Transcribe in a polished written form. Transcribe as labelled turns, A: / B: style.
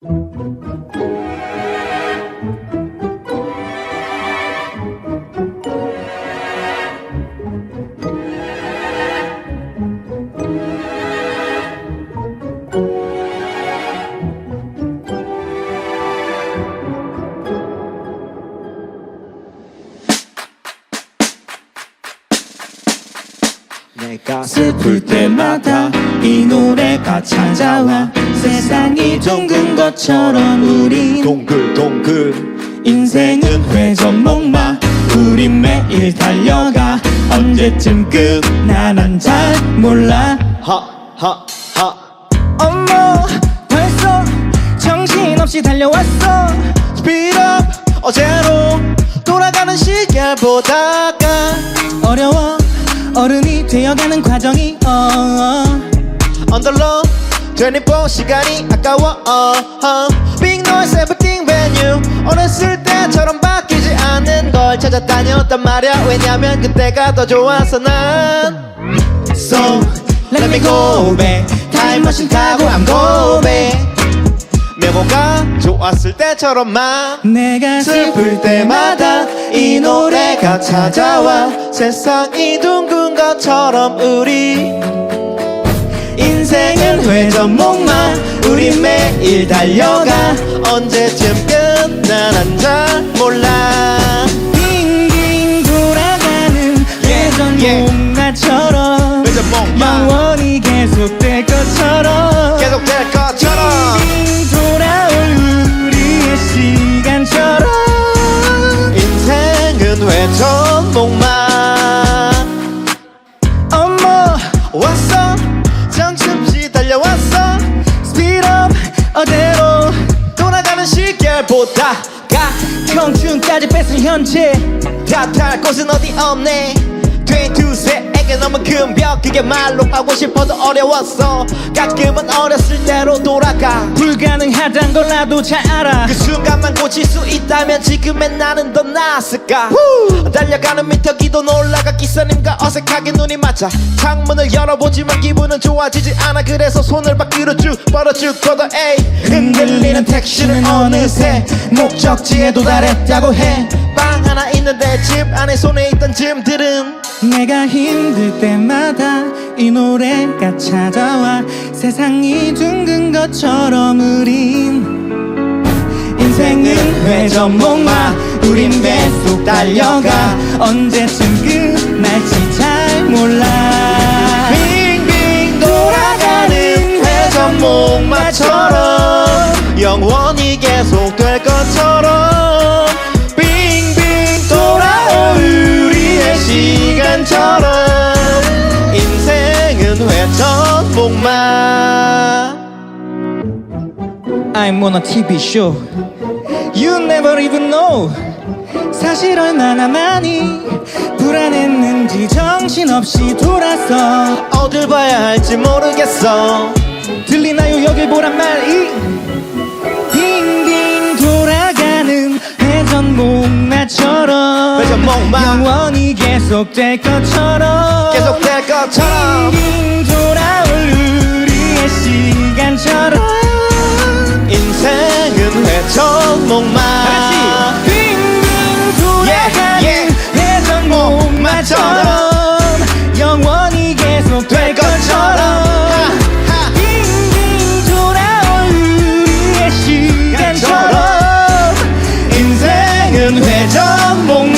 A: 내가 슬플 때마다 이 노래가 찾아와. 세상이 둥근 것처럼 우린
B: 동글동글
A: 인생은 회전목마. 우린 매일 달려가. 언제쯤 끝나 난 잘 몰라.
B: 하하하
A: 어머 벌써 정신없이 달려왔어.
B: Speed up 어제로 돌아가는 시계를 보다가
A: 어려워 어른이 되어가는 과정이
B: 언더로 24 시간이 아까워 Big noise everything brand new 어렸을 때처럼 바뀌지 않는 걸 찾아 다녔단 말야. 왜냐면 그때가 더 좋았어 난.
A: So let me go back. 타임머신 타고 I'm go back.
B: 메모가 좋았을 때처럼만.
A: 내가
B: 슬플 때마다 이 노래가 찾아와. 세상이 둥근 것처럼 우리
A: 인생은 회전목마. 우린 매일 달려가.
B: 언제쯤 끝나 난 잘 몰라.
A: 빙빙 돌아가는 회전목마처럼
B: 회전목마.
A: 영원히 계속될 것처럼.
B: 계속될 것처럼
A: 빙빙 돌아올 우리의 시간처럼.
B: 인생은 회전목마.
A: 어머
B: 왔어 정신없이 달려왔어.
A: Speed up 어제로
B: 돌아가는 시계를 보다가
A: 청춘까지 뺏은 현재.
B: 탓할 곳은 어디 없네. 22세에게 너무 큰 벽. 그게 말로 하고 싶어도 어려웠어. 가끔은 어렸을 때로 돌아가.
A: 불가능하단 걸 나도 잘 알아.
B: 그 순간만 고칠 수 있다면 지금의 나는 더 나았을까. 달려가는 미터기도 놀라가. 기사님과 어색하게 눈이 맞아. 창문을 열어보지만 기분은 좋아지지 않아. 그래서 손을 밖으로 쭉 뻗어줄 거다. 에이 흔들리는 택시는 어느새 목적지에 도달했다고 해. 방 하나 있는데 집 안에 손에 있던 짐들은
A: 내가 힘들 때마다 이 노래가 찾아와. 세상이 둥근 것처럼 우린 인생은 회전목마. 우린 계속 달려가. 언제쯤 끝날지 잘 몰라.
B: 빙빙 돌아가는 회전목마처럼 영원히 계속될 것처럼. 빙빙 돌아올 우리의 시간처럼. 인생은 회전목마.
A: I'm on a TV show. You never even know. 사실 얼마나 많이 불안했는지 정신없이 돌아서.
B: 어딜 봐야 할지 모르겠어.
A: 들리나요 여길 보란 말이. 빙빙 돌아가는 회전목마처럼.
B: 회전목마.
A: 영원히 계속될 것처럼.
B: 계속될 것처럼.
A: 빙빙 돌아올 우리의 시간처럼.
B: 인생은 회전목마.
A: 빙빙 돌아가는 회전목마처럼. 영원히 계속될 것처럼. 빙빙 돌아올 우리의 시간처럼.
B: 인생은 회전목마.